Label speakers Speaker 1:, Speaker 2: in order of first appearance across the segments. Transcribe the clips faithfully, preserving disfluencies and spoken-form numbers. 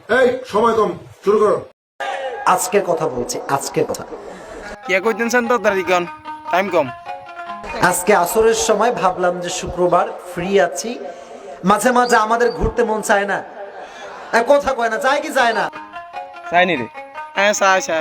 Speaker 1: এই সময় কম, শুরু করো।
Speaker 2: আজকের কথা বলছি, আজকের কথা।
Speaker 3: কে কইতেন সেন তাড়াতাড়ি কোন, টাইম কম।
Speaker 2: আজকে আসরের সময় ভাবলাম যে শুক্রবার ফ্রি আছি, মাঝে মাঝে আমাদের ঘুরতে মন চায় না? এ, কথা কয় না, যায় কি যায় না?
Speaker 3: চাইনি রে। হ্যাঁ চাই চাই।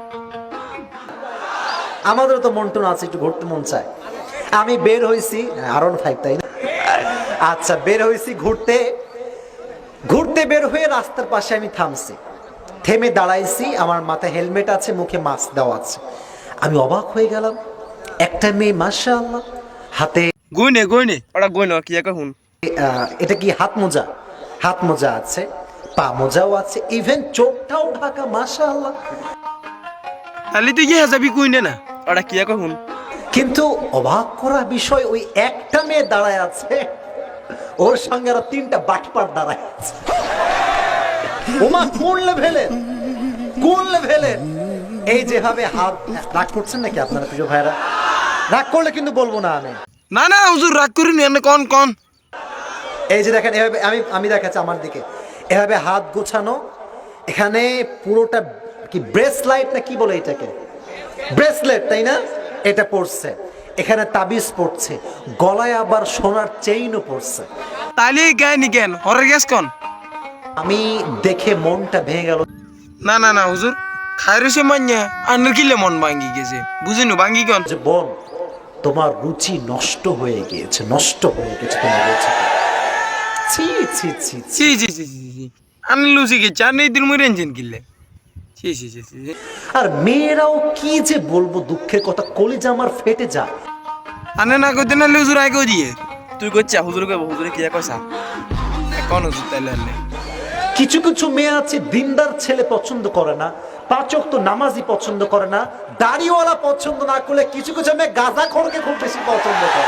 Speaker 2: আমাদেরও তো মন টন আছে, একটু ঘুরতে মন চায়। আমি বের হয়েছি আরন ফাইভ, তাই না? আচ্ছা, বের হয়েছি ঘুরতে। ঘুরতে বের হয়ে রাস্তার পাশে আমি থামছি, থেমে দাঁড়াইছি। আমার মাথায় হেলমেট আছে, মুখে মাস্ক দেওয়া আছে। আমি অবাক হয়ে গেলাম, একটা মেয়ে মাশাআল্লাহ হাতে
Speaker 3: গইনে গইনে ওটা গইন কি এক হুন।
Speaker 2: আহ, এটা কি হাত মোজা? হাত মোজা আছে, পা মোজাও আছে, ইভেন চোখটাও ঢাকা মাশাআল্লাহ।
Speaker 3: তাহলে তুই কি হাজাবি কইনে না ওটা কি এক হুন।
Speaker 2: কিন্তু অবাক করা বিষয়, ওই একটা মেয়ে দাঁড়ায় আছে, ওর সঙ্গে আরো তিনটা বাটপার দাঁড়ায় আছে। ওমা, কোন লেভেলের, কোন লেভেলের! এই যেভাবে হাত, রাগ করছেন নাকি আপনারা প্রিয় ভাইরা? রাগ করলে কিন্তু বলবো না আমি।
Speaker 3: না না হুজুর রাগ করিনি, এনে কোন কোন।
Speaker 2: এই যে দেখেন, এভাবে আমি আমি দেখাচ্ছি আমার দিকে, এভাবে হাত গোছানো, এখানে পুরোটা কি ব্রেসলাইট না কি বলে এটাকে, ব্রেসলেট তাই না? এটা পড়ছে, এখানে তাবিজ পড়ছে, গলায় আবার সোনার চেইনও পড়ছে।
Speaker 3: তাইলে গায়নি কেন হরে গেছ কোন।
Speaker 2: আমি দেখে মনটা ভেঙে গেল।
Speaker 3: না না না হুজুর খাইরছে মান্যা আন্নার কিলে মন ভাঙ্গি গেছে, বুঝিনু ভাঙ্গি কোন।
Speaker 2: যে বোন, তোমার রুচি নষ্ট হয়ে গিয়েছে, নষ্ট হয়ে গেছে তোমার রুচি। ছি ছি ছি ছি।
Speaker 3: ছি ছি ছি ছি ছি আন্না লুচি গেছে আর নেই দিন মুই রেঞ্জিন কিনলে। ছি ছি ছি ছি।
Speaker 2: আর মেয়েরাও কি যে বলবো, দুঃখের কথা, কলিজা আমার ফেটে যায়।
Speaker 3: আনে না কইতে না হুজুর আই কই দিয়ে তুই কইছা হুজুর কইব হুজুরে কি কইছা কোন হুজুর তাইলে আনলে।
Speaker 2: কিছু কিছু মেয়ে আছে দিনদার ছেলে পছন্দ করে না, পাঁচ ওয়াক্ত নামাজি পছন্দ করে না, দাড়িওয়ালা পছন্দ না করলে কিছু কিছু মেয়ে গাঁজাখোরকে খুব বেশি পছন্দ করে।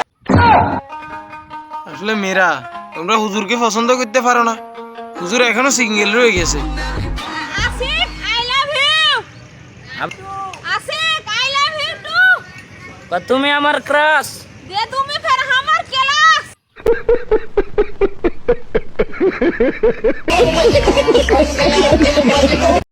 Speaker 3: আসলে মেয়েরা তোমরা হুজুরকে পছন্দ করতে পারো না, হুজুর এখনো সিঙ্গেল রয়ে গেছে।
Speaker 4: Asik, I love you. Asik, I love you too.
Speaker 5: তুমি আমার ক্রাশ।
Speaker 4: दे तुम्ही फिर हमर केलास